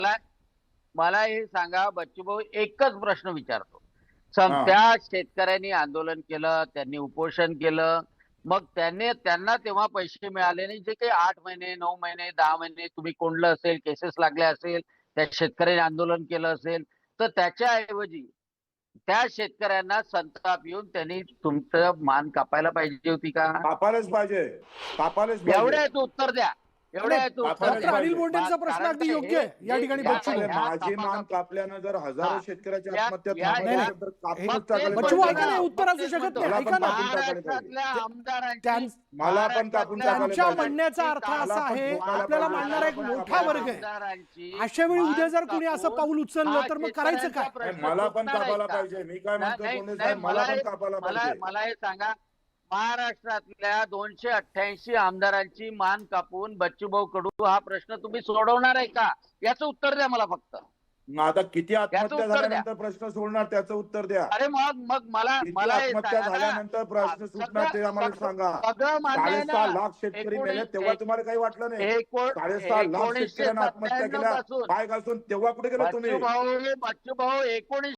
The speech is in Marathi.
मला मला हे सांगा, बच्चूभाऊ एकच प्रश्न विचारतो. हा त्या शेतकऱ्यांनी आंदोलन केलं, त्यांनी उपोषण केलं. मग त्यांना तेव्हा पैसे मिळाले नाही. जे काही 8 महिने, 9 महिने, 10 महिने तुम्ही कोंडलं असेल, केसेस लागल्या असेल, त्या शेतकऱ्यांनी आंदोलन केलं असेल, तर त्याच्याऐवजी त्या शेतकऱ्यांना संताप येऊन त्यांनी तुमचं मान कापायला पाहिजे होती का? कापायलाच पाहिजे, कापायलाच पाहिजे. एवढ्याचं उत्तर द्या. एवढ्याचं उत्तर कापायलाच डॉक्टर द्या. अनिल पाहिजे. बोंडेंचा प्रश्न कारण अगदी काय योग्य आहे या ठिकाणी बच्चू अरे भाऊ. माझी मान कापल्यानं जर हजारो शेतकऱ्याची आत्महत्या या- थांबायची या- असेल तर कापूनच मग तेच टाकायला बच्चू भाऊ पाहिजे. ऐका नाही, उत्तर असू शकत नाही. मला ऐका पण ना, कापून टाकायला पाहिजे. महाराष्ट्रातल्या आमदारांची मला पण कापून टाकायला त्यांच्या पाहिजे. म्हणण्याचा अर्थ मला असा पण आहे, ठोकायला आपल्याला पाहिजे. मांडणारा एक मला पण मोठा वर्ग आहे. आमदारांची अशा वेळी उद्या जर मान कोणी असं कापून पाऊल उचललं हा तर मग करायचं शेतकऱ्यांचा काय? प्रश्न मला पण सुटणार आहे कापायला का? पाहिजे. मी काय म्हणतो नाही, बोंडे नाही, साहेब, मला पण हे- कापायला पाहिजे. मला हे सांगा, महाराष्ट्रातल्या 288 आमदारांची मान कापून बच्चूभाऊ कडू हा प्रश्न तुम्ही सोडवणार आहे का? याचं उत्तर द्या मला फक्त. मग आता किती आत्महत्या उत्तर द्या. झाल्यानंतर प्रश्न सोडणार त्याचं उत्तर द्या. अरे मग मला किती हे आत्महत्या सांगा ना. झाल्यानंतर प्रश्न सुटणार ते आम्हाला सांगा. सगळं मान्य आहे 6.5 ना. लाख शेतकरी मेले तेव्हा तुम्हाला काही वाटलं नाही. 6.5 लाख शेतकऱ्यांना आत्महत्या 1997 केल्या पासून पाय घासून, तेव्हा कुठे गेला तुम्ही? बच्चूभाऊ